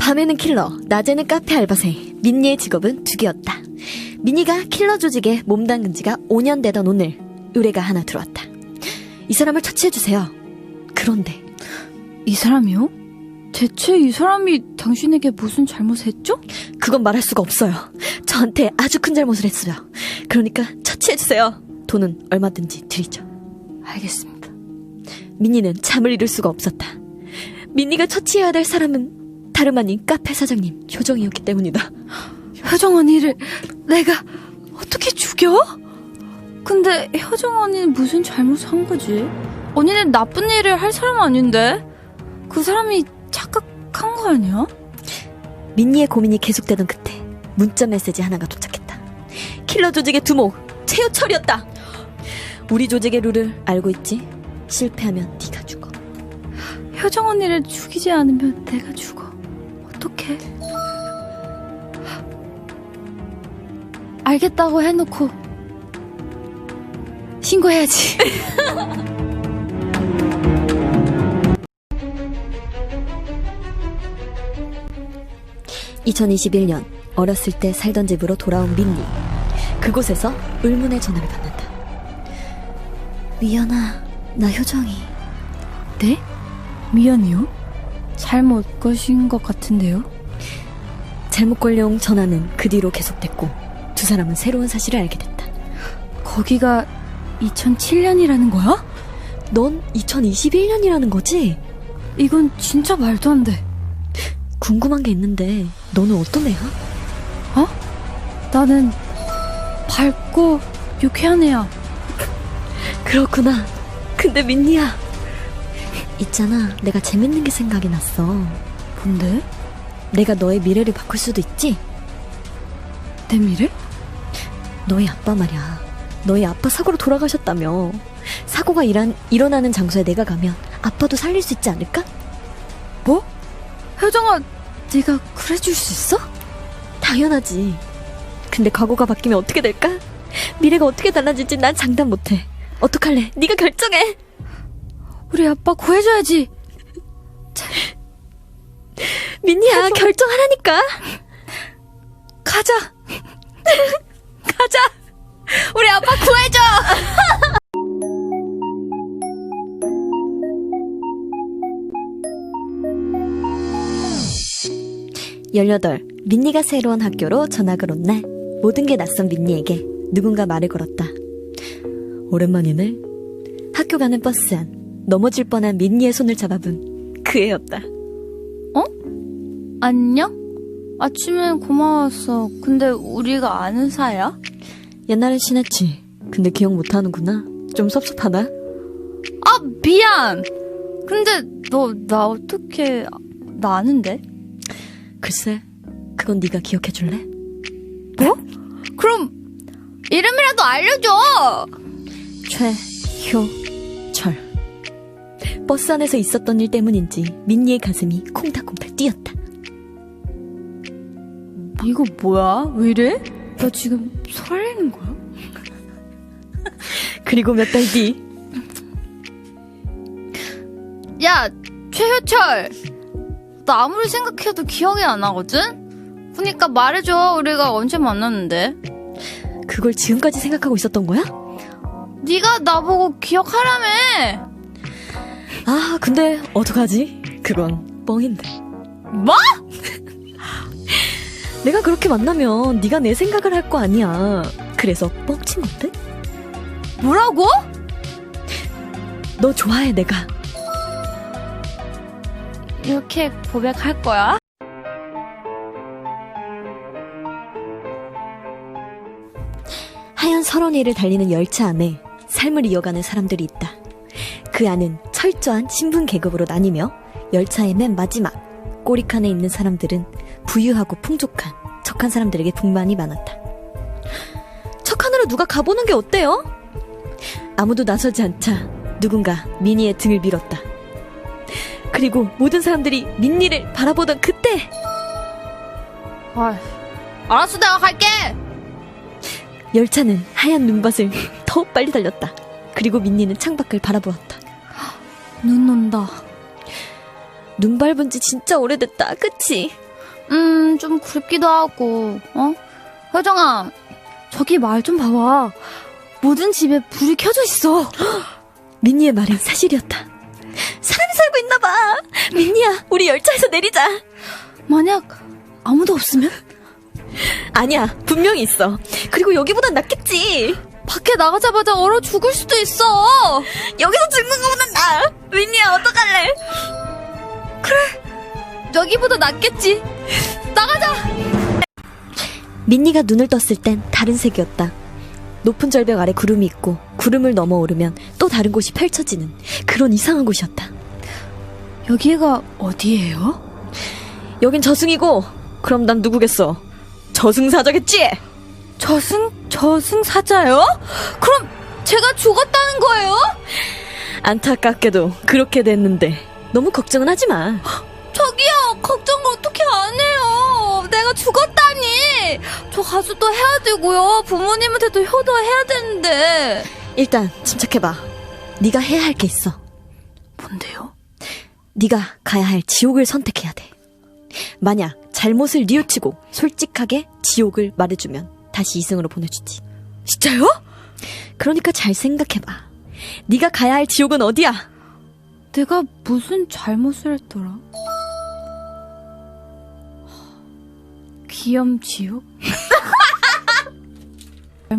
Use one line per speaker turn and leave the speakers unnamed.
밤에는 킬러, 낮에는 카페 알바생. 민니의 직업은 두 개였다. 민니가 킬러 조직에 몸담근 지가 5년 되던 오늘 의뢰가 하나 들어왔다. 이 사람을 처치해주세요. 그런데
이 사람이요? 대체 이 사람이 당신에게 무슨 잘못을 했죠?
그건 말할 수가 없어요. 저한테 아주 큰 잘못을 했어요. 그러니까 처치해주세요. 돈은 얼마든지 드리죠.
알겠습니다.
민니는 잠을 이룰 수가 없었다. 민니가 처치해야 될 사람은 다름 아닌 카페 사장님 효정이었기 때문이다.
효정 언니를 내가 어떻게 죽여? 근데 효정 언니는 무슨 잘못을 한 거지? 언니는 나쁜 일을 할 사람 아닌데? 그 사람이 착각한 거 아니야?
민니의 고민이 계속되던 그때 문자 메시지 하나가 도착했다. 킬러 조직의 두목 최효철이었다. 우리 조직의 룰을 알고 있지? 실패하면 네가 죽어.
효정 언니를 죽이지 않으면 내가 죽어. 어떡해? 알겠다고 해놓고 신고해야지.
2021년 어렸을 때 살던 집으로 돌아온 민니. 그곳에서 의문의 전화를 받는다. 미연아, 나 효정이.
네? 미연이요? 잘못 거신 것 같은데요?
잘못 걸려온 전화는 그 뒤로 계속됐고 두 사람은 새로운 사실을 알게 됐다.
거기가 2007년이라는 거야?
넌 2021년이라는 거지?
이건 진짜 말도 안 돼.
궁금한 게 있는데 너는 어떤 애야?
어? 나는 밝고 유쾌한 애야.
그렇구나. 근데 민니야, 있잖아, 내가 재밌는 게 생각이 났어.
뭔데?
내가 너의 미래를 바꿀 수도 있지?
내 미래?
너희 아빠 말이야. 너희 아빠 사고로 돌아가셨다며. 사고가 일어나는 장소에 내가 가면 아빠도 살릴 수 있지 않을까?
뭐? 효정아, 네가 그래줄 수 있어?
당연하지. 근데 과거가 바뀌면 어떻게 될까? 미래가 어떻게 달라질지 난 장담 못해. 어떡할래? 네가 결정해.
우리 아빠 구해줘야지.
민니야, 결정하라니까.
가자. 가자. 우리 아빠 구해줘.
18, 민니가 새로운 학교로 전학을 온 날 모든 게 낯선 민니에게 누군가 말을 걸었다. 오랜만이네. 학교 가는 버스 안 넘어질 뻔한 민니의 손을 잡아본 그 애였다.
어? 안녕? 아침엔 고마웠어. 근데 우리가 아는 사이야?
옛날엔 친했지. 근데 기억 못하는구나. 좀 섭섭하다.
아, 미안. 근데 너 나 어떻게 나 아는데?
글쎄, 그건 네가 기억해줄래?
뭐? 그럼 이름이라도 알려줘.
최효철. 버스 안에서 있었던 일 때문인지 민니의 가슴이 콩닥콩닥 뛰었다.
이거 뭐야? 왜 이래? 나 지금 설레는 거야?
그리고 몇 달 뒤.
야, 최효철. 나 아무리 생각해도 기억이 안 나거든? 그러니까 말해줘. 우리가 언제 만났는데?
그걸 지금까지 생각하고 있었던 거야?
네가 나보고 기억하라며.
아, 근데 어떡하지? 그건 뻥인데.
뭐?
내가 그렇게 만나면 네가 내 생각을 할 거 아니야. 그래서 뻥친 건데?
뭐라고?
너 좋아해, 내가.
이렇게 고백할 거야?
하얀 설원위를 달리는 열차 안에 삶을 이어가는 사람들이 있다. 그 안은 철저한 신분 계급으로 나뉘며 열차의 맨 마지막 꼬리칸에 있는 사람들은 부유하고 풍족한 척한 사람들에게 불만이 많았다. 척한으로 누가 가보는 게 어때요? 아무도 나서지 않자 누군가 민니의 등을 밀었다. 그리고 모든 사람들이 민니를 바라보던 그때,
알았어, 내가 갈게.
열차는 하얀 눈밭을 더 빨리 달렸다. 그리고 민니는 창밖을 바라보았다.
눈 온다.
눈 밟은 지 진짜 오래됐다, 그치?
좀 그립기도 하고, 효정아, 저기 말 좀 봐봐. 모든 집에 불이 켜져 있어.
민니의 말은 사실이었다. 사람이 살고 있나봐. 민니야, 우리 열차에서 내리자.
만약 아무도 없으면?
아니야, 분명히 있어. 그리고 여기보단 낫겠지.
밖에 나가자마자 얼어 죽을 수도 있어.
여기서 죽는 거보단 나아. 민니야, 어떡할래?
여기보다 낫겠지. 나가자.
민니가 눈을 떴을 땐 다른 색이었다. 높은 절벽 아래 구름이 있고 구름을 넘어 오르면 또 다른 곳이 펼쳐지는 그런 이상한 곳이었다.
여기가 어디예요?
여긴 저승이고, 그럼 난 누구겠어? 저승사자겠지?
저승사자요? 그럼 제가 죽었다는 거예요?
안타깝게도 그렇게 됐는데 너무 걱정은 하지 마.
저기요, 걱정 어떻게 안 해요? 내가 죽었다니. 저 가수도 해야 되고요. 부모님한테도 효도해야 되는데.
일단 침착해봐. 네가 해야 할 게 있어.
뭔데요?
네가 가야 할 지옥을 선택해야 돼. 만약 잘못을 뉘우치고 솔직하게 지옥을 말해주면 다시 이승으로 보내주지.
진짜요?
그러니까 잘 생각해봐. 네가 가야 할 지옥은 어디야?
내가 무슨 잘못을 했더라? 기염지옥?